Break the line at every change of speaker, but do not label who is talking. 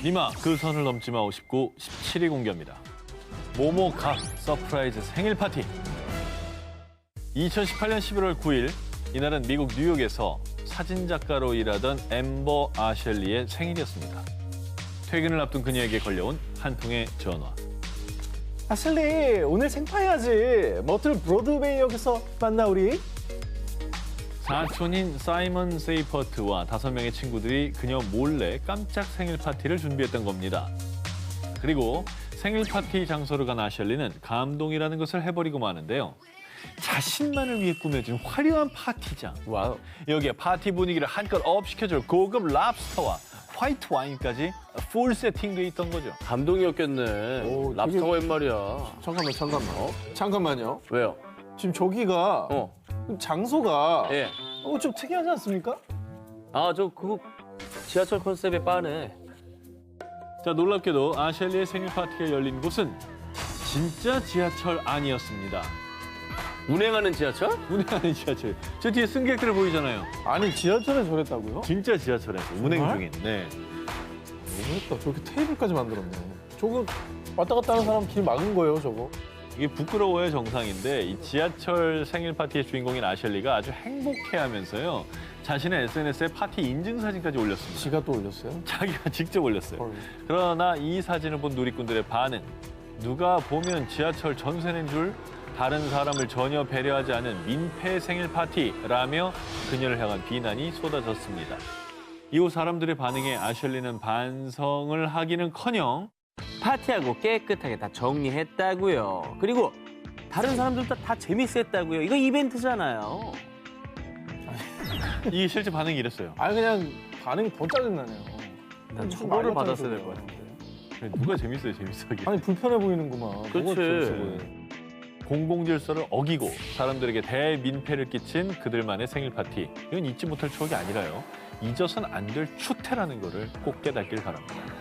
니마 그 선을 넘지 마 59, 17위 공개합니다. 모모 각 서프라이즈 생일 파티. 2018년 11월 9일 이날은 미국 뉴욕에서 사진작가로 일하던 앰버 아셸리의 생일이었습니다. 퇴근을 앞둔 그녀에게 걸려온 한 통의 전화.
아슬리, 오늘 생파해야지. 머틀 브로드웨이역에서 만나, 우리.
사촌인 사이먼 세이퍼트와 5명의 친구들이 그녀 몰래 깜짝 생일 파티를 준비했던 겁니다. 그리고 생일 파티 장소로 간 아셸리는 감동이라는 것을 해버리고 마는데요. 자신만을 위해 꾸며진 화려한 파티장.
와우.
여기에 파티 분위기를 한껏 업시켜줄 고급 랍스터와 화이트 와인까지 풀 세팅돼 있던 거죠.
감동이었겠네.
오,
랍스터가
되게-
웬 말이야.
잠깐만. 잠깐만요.
왜요?
지금 저기가 장소가
예.
좀 특이하지 않습니까?
아, 저 그거 지하철 컨셉의 바네.
자, 놀랍게도 아셸리의 생일 파티가 열린 곳은 진짜 지하철 안이었습니다.
운행하는 지하철?
운행하는 지하철. 저 뒤에 승객들 보이잖아요.
아니, 지하철에 저랬다고요?
진짜 지하철에서 운행
정말?
중인. 네.
너무했다. 저렇게 테이블까지 만들었네. 저거 왔다 갔다 하는 사람 길 막은 거예요, 저거.
이게 부끄러워야 정상인데 이 지하철 생일 파티의 주인공인 아셸리가 아주 행복해하면서요. 자신의 SNS에 파티 인증 사진까지 올렸습니다.
지가 또 올렸어요?
자기가 직접 올렸어요.
헐.
그러나 이 사진을 본 누리꾼들의 반응. 누가 보면 지하철 전세낸 줄 다른 사람을 전혀 배려하지 않은 민폐 생일 파티라며 그녀를 향한 비난이 쏟아졌습니다. 이후 사람들의 반응에 아셸리는 반성을 하기는커녕
파티하고 깨끗하게 다 정리했다고요. 그리고 다른 사람들도 다 재밌었다고요. 이거 이벤트잖아요.
이게 실제 반응이 이랬어요.
아니, 그냥 반응이 더 짜증나네요.
난
무슨
처벌을
말 같은
받았어야 될
소리야.
것 같은데.
누가 재밌어요, 재밌어하게.
아니, 불편해 보이는구만. 뭐가
그치.
재밌어 보여.
공공질서를 어기고 사람들에게 대민폐를 끼친 그들만의 생일 파티. 이건 잊지 못할 추억이 아니라요. 잊어선 안 될 추태라는 거를 꼭 깨닫길 바랍니다.